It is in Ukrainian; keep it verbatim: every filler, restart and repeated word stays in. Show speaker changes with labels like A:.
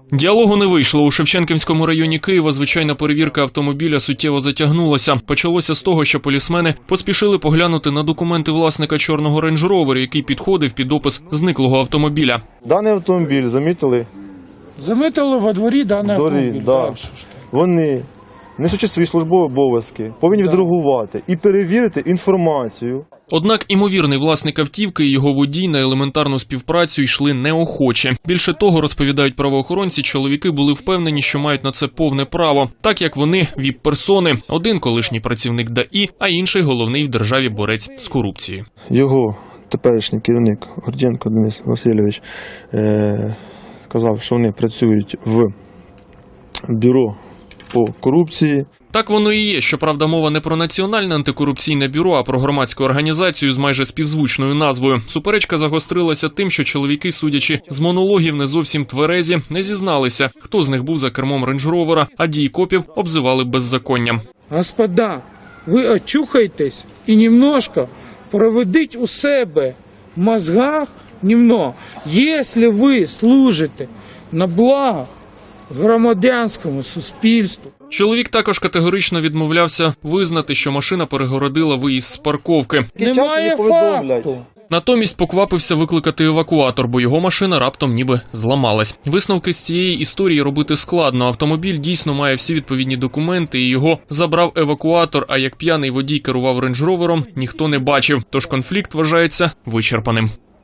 A: Діалогу не вийшло. У Шевченківському районі Києва звичайна перевірка автомобіля суттєво затягнулася. Почалося з того, що полісмени поспішили поглянути на документи власника чорного Range Rover, який підходив під опис зниклого автомобіля.
B: Даний автомобіль замітили.
C: Замітили во дворі даний
B: Дворі,
C: автомобіль.
B: да.
C: Так.
B: Вони, несучи свої службові обов'язки, повинні відреагувати і перевірити інформацію.
A: Однак імовірний власник автівки і його водій на елементарну співпрацю йшли неохоче. Більше того, розповідають правоохоронці, чоловіки були впевнені, що мають на це повне право, так як вони віп-персони. Один колишній працівник ДАІ, а інший головний в державі борець з корупцією.
B: Його теперішній керівник Гордієнко Денис Васильович е- сказав, що вони працюють в бюро по корупції.
A: Так воно і є. Щоправда, мова не про Національне антикорупційне бюро, а про громадську організацію з майже співзвучною назвою. Суперечка загострилася тим, що чоловіки, судячи з монологів, не зовсім тверезі, не зізналися, хто з них був за кермом рейндж-ровера, а дії копів обзивали беззаконням.
C: Господа, ви очухайтесь і немножко проведіть у себе в мозгах, немного, якщо ви служите на благо громадянському суспільству.
A: Чоловік також категорично відмовлявся визнати, що машина перегородила виїзд з парковки.
C: Немає факту.
A: Натомість поквапився викликати евакуатор, бо його машина раптом ніби зламалась. Висновки з цієї історії робити складно. Автомобіль дійсно має всі відповідні документи, і його забрав евакуатор, а як п'яний водій керував рейндж-ровером, ніхто не бачив. Тож конфлікт вважається вичерпаним.